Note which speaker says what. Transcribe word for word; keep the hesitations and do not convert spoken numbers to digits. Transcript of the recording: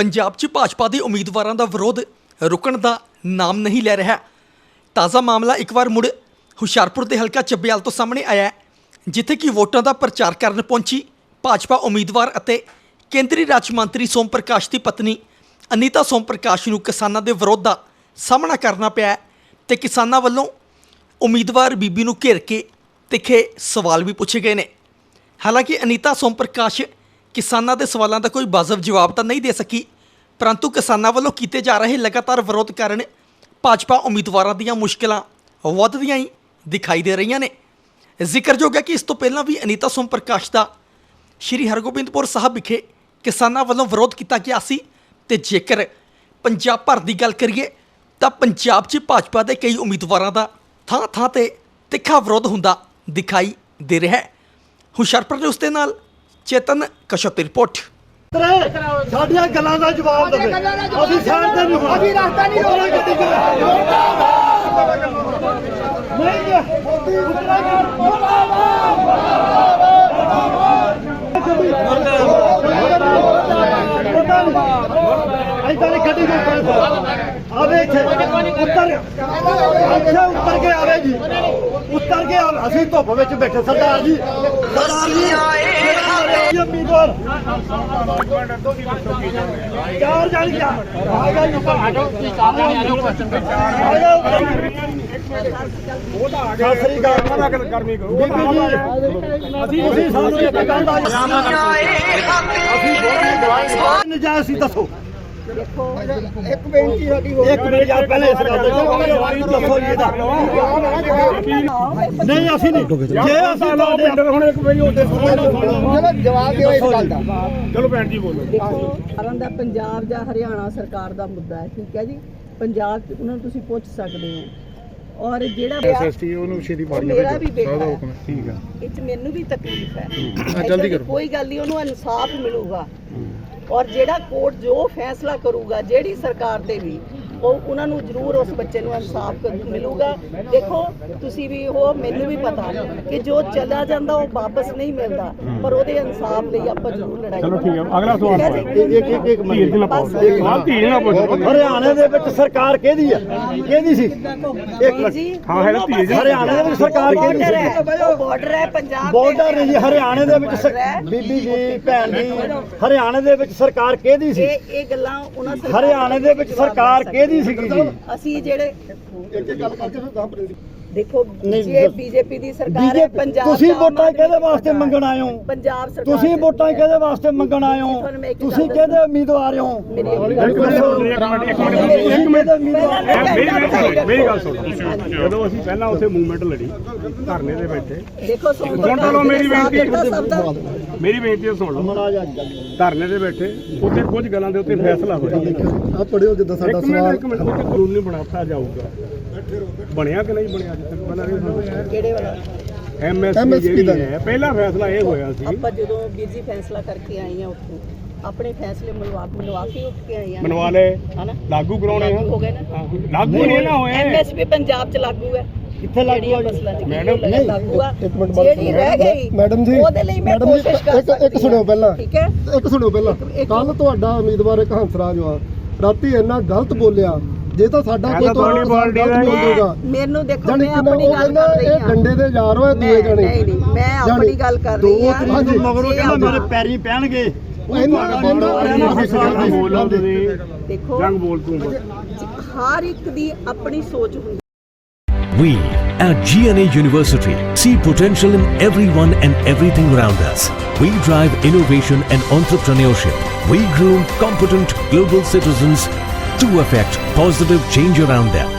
Speaker 1: पंजाब च भाजपा के उम्मीदवारों का विरोध रुकण का नाम नहीं लै रहा। ताज़ा मामला एक बार मुड़ हुशियारपुर के हल्का चब्बियाल तो सामने आया है, जिथे कि वोटां का प्रचार करन पहुंची भाजपा उम्मीदवार अते केंद्रीय राज्य मंत्री सोम प्रकाश की पत्नी अनीता सोम प्रकाश नूं किसानां दे विरोध का सामना करना पिया ते किसानां वल्लों उम्मीदवार बीबी नूं घेर के तिखे सवाल भी पूछे गए ने। हालांकि अनीता सोम प्रकाश किसानां दे सवालों का कोई वाजब जवाब तो नहीं दे सकी, परंतु किसानां वल्लों कीते जा रहे लगातार विरोध कारण भाजपा उम्मीदवारों दीयां मुश्किलां वधदियां ही दिखाई दे रही ने। जिक्रयोग है कि इस तो पहलां भी अनीता सोम प्रकाश का श्री हरगोबिंदपुर साहब विखे किसानां वल्लों विरोध किया गया सी ते जेकर पंजाब भर की गल करिए तो पंजाब च भाजपा के कई उम्मीदवारों का थां थां ते तिखा विरोध हुंदा दिखाई दे रहा है। हुशियारपुर न्यूज़ दे नाल चेतन कश्यप की रिपोर्ट।
Speaker 2: साडियां गल्लां दा जवाब देवे, असीं साइड ते नहीं होना, असीं रास्ता नहीं रोकना गड्डी को नहीं गड्डी को आवे उत्तर अच्छा उत्तर के आवे जी, उत्तर के असीं धुप विच बैठे सरदार जी, सरदार जी उम्मीदवार चार जान क्या आएगा नजायज दसो एक बेनती साडी हो एक मिनट यार पहले इस गल दसो जी दा नहीं ਅਸੀਂ ਨਹੀਂ ਜੇ ਅਸੀਂ ਤੁਹਾਡੇ ਹੁਣ ਇੱਕ ਵਾਰੀ ਉਹਦੇ ਸੁਣੋ ਜਵਾਬ ਦਿਓ ਇਸ ਗੱਲ ਦਾ। ਚਲੋ ਭੈਣ ਜੀ ਬੋਲੋ। ਦੇਖੋ ਸਾਰਿਆਂ ਦਾ ਪੰਜਾਬ ਜਾਂ ਹਰਿਆਣਾ ਸਰਕਾਰ ਦਾ ਮੁੱਦਾ ਹੈ, ਠੀਕ ਹੈ ਜੀ। ਪੰਜਾਬ ਚ ਉਹਨਾਂ ਨੂੰ ਤੁਸੀਂ ਪੁੱਛ ਸਕਦੇ ਹੋ ਔਰ ਜਿਹੜਾ ਐਸਐਸਟੀ ਉਹਨੂੰ ਛੇਤੀ ਪਾੜੀ ਮੇਰਾ ਵੀ ਬੇਟਾ ਹੈ, ਠੀਕ ਹੈ। ਇਹ ਚ ਮੈਨੂੰ ਵੀ ਤਕਲੀਫ ਹੈ, ਜਲਦੀ ਕਰੋ, ਕੋਈ ਗੱਲ ਨਹੀਂ, ਉਹਨੂੰ ਇਨਸਾਫ ਮਿਲੂਗਾ और जेड़ा कोर्ट जो फैसला करूगा जेड़ी सरकार दे भी ਉਹ ਉਹਨਾਂ ਨੂੰ ਜ਼ਰੂਰ ਉਸ ਬੱਚੇ ਨੂੰ ਇਨਸਾਫ ਮਿਲੂਗਾ। ਦੇਖੋ ਤੁਸੀਂ ਵੀ ਹੋ, ਮੈਨੂੰ ਵੀ ਪਤਾ ਕਿ ਜੋ ਚਲਾ ਜਾਂਦਾ ਉਹ ਵਾਪਸ ਨਹੀਂ ਮਿਲਦਾ, ਪਰ ਉਹਦੇ ਇਨਸਾਫ ਲਈ ਆਪਾਂ ਜ਼ਰੂਰ ਲੜਾਈ। ਚਲੋ ਠੀਕ ਹੈ, ਅਗਲਾ ਸਵਾਲ ਇੱਕ ਇੱਕ ਇੱਕ ਮਿੰਟ ਨਾਲ ਧੀਰ ਨਾ ਪੁੱਛੋ। ਹਰਿਆਣੇ ਦੇ ਵਿੱਚ ਸਰਕਾਰ ਕਿਹਦੀ ਆ, ਕਿਹਦੀ ਸੀ? ਇੱਕ ਜੀ ਹਾਂ ਹੈ ਧੀਰ। ਹਰਿਆਣੇ ਦੇ ਵਿੱਚ ਸਰਕਾਰ ਕਿਹਦੀ ਸੀ? ਬਾਰਡਰ ਹੈ ਪੰਜਾਬ, ਬਾਰਡਰ ਹੈ ਜੀ ਹਰਿਆਣੇ ਦੇ ਵਿੱਚ। ਬੀਬੀ ਜੀ ਭੈਣ ਜੀ ਹਰਿਆਣੇ ਦੇ ਵਿੱਚ ਸਰਕਾਰ ਕਿਹਦੀ ਸੀ? ਇਹ ਇਹ ਗੱਲਾਂ ਉਹਨਾਂ ਹਰਿਆਣੇ ਦੇ ਵਿੱਚ ਸਰਕਾਰ ਕਿਹਦੀ ਅਸੀਂ ਜਿਹੜੇ ਇੱਕ ਇੱਕ ਗੱਲ ਕਰਕੇ ਫਿਰ ਦੇਖੋ ਜੇ ਬੀਜੇਪੀ ਦੀ ਸਰਕਾਰ ਹੈ ਪੰਜਾਬ ਤੁਸੀਂ ਵੋਟਾਂ ਕਿਹਦੇ ਵਾਸਤੇ ਮੰਗਣ ਆਏ ਹੋ? ਪੰਜਾਬ ਸਰਕਾਰ ਤੁਸੀਂ ਵੋਟਾਂ ਕਿਹਦੇ ਵਾਸਤੇ ਮੰਗਣ ਆਏ ਹੋ? ਤੁਸੀਂ ਕਿਹਦੇ ਉਮੀਦਵਾਰ ਹੋ? ਇੱਕ ਮਿੰਟ ਇੱਕ ਮਿੰਟ ਮੇਰੀ ਗੱਲ ਸੁਣੋ। ਜਦੋਂ ਅਸੀਂ ਪਹਿਲਾਂ ਉੱਥੇ ਮੂਵਮੈਂਟ ਲੜੀ ਧਰਨੇ ਦੇ ਬੈਠੇ, ਦੇਖੋ ਸੁਣ ਲਓ ਮੇਰੀ ਬੇਨਤੀ, ਮੇਰੀ ਬੇਨਤੀ ਸੁਣ ਲਓ। ਧਰਨੇ ਦੇ ਬੈਠੇ ਉੱਥੇ ਕੁਝ ਗੱਲਾਂ ਦੇ ਉੱਤੇ ਫੈਸਲਾ ਹੋਇਆ। ਆ ਪੜਿਓ ਜਿੱਦਾਂ ਸਾਡਾ ਸਵਾਲ ਉੱਥੇ ਕਾਨੂੰਨ ਨਹੀਂ ਬਣਾਤਾ ਜਾਊਗਾ, ਬਣਿਆ ਕਿ ਨਹੀਂ ਬਣਿਆ? ਅੱਜ ਤੱਕ ਪਹਿਲਾਂ ਇਹ ਕਿਹੜੇ ਵਾਲਾ ਐਮਐਸਪੀ ਦਾ ਹੈ ਪਹਿਲਾ ਫੈਸਲਾ ਇਹ ਹੋਇਆ ਸੀ। ਆਪਾਂ ਜਦੋਂ ਵੀਰ ਜੀ ਫੈਸਲਾ ਕਰਕੇ ਆਏ ਆ ਉੱਥੋਂ ਆਪਣੇ ਫੈਸਲੇ ਮਨਵਾ ਮਨਵਾ ਕੇ ਉੱਠ ਕੇ ਆਏ ਆ, ਮਨਵਾ ਲਏ ਹਨਾ, ਲਾਗੂ ਕਰਾਉਣੇ ਹੋ ਗਏ ਨਾ, ਲਾਗੂ ਨਹੀਂ ਨਾ ਹੋਏ। ਐਮਐਸਪੀ ਪੰਜਾਬ ਚ ਲਾਗੂ ਹੈ, ਕਿੱਥੇ ਲਾਗੂ ਹੈ ਮੈਡਮ? ਨਹੀਂ ਲਾਗੂ ਆ, ਜਿਹੜੀ ਰਹਿ ਗਈ ਮੈਡਮ ਜੀ, ਉਹਦੇ ਲਈ ਮੈਂ ਕੋਸ਼ਿਸ਼ ਕਰ ਸਕਦੀ। ਇੱਕ ਸੁਣਿਓ ਪਹਿਲਾਂ, ਠੀਕ ਹੈ ਇੱਕ ਸੁਣਿਓ ਪਹਿਲਾਂ। ਕੱਲ ਤੁਹਾਡਾ ਉਮੀਦਵਾਰ ਇੱਕ ਹੰਸਰਾਜ ਆ ਰਾਤੀ ਇੰਨਾ ਗਲਤ ਬੋਲਿਆ, ਜੇ ਤਾਂ ਸਾਡਾ ਕੋਈ ਤੁਹਾਡੀ ਪਾਰਟੀ ਦਾ ਬੋਲੂਗਾ ਮੈਨੂੰ ਦੇਖੋ ਮੈਂ ਆਪਣੀ ਗੱਲ ਕਰ ਰਹੀ ਹਾਂ। ਇਹ ਡੰਡੇ ਦੇ ਯਾਰ ਹੋਏ ਦੂਏ ਜਣੇ, ਨਹੀਂ ਨਹੀਂ ਮੈਂ ਆਪਣੀ ਗੱਲ ਕਰ ਰਹੀ ਹਾਂ। ਹਾਂਜੀ ਮਗਰੋਂ ਕਹਿੰਦਾ ਮੇਰੇ ਪੈਰੀ ਪੈਣਗੇ ਦੇਖੋ ਜੰਗ ਬੋਲ ਤੂੰ ਹਰ ਇੱਕ ਦੀ ਆਪਣੀ ਸੋਚ ਹੁੰਦੀ।
Speaker 3: We at G N A University see potential in everyone and everything around us. We drive innovation and entrepreneurship. We groom competent global citizens to affect positive change around them.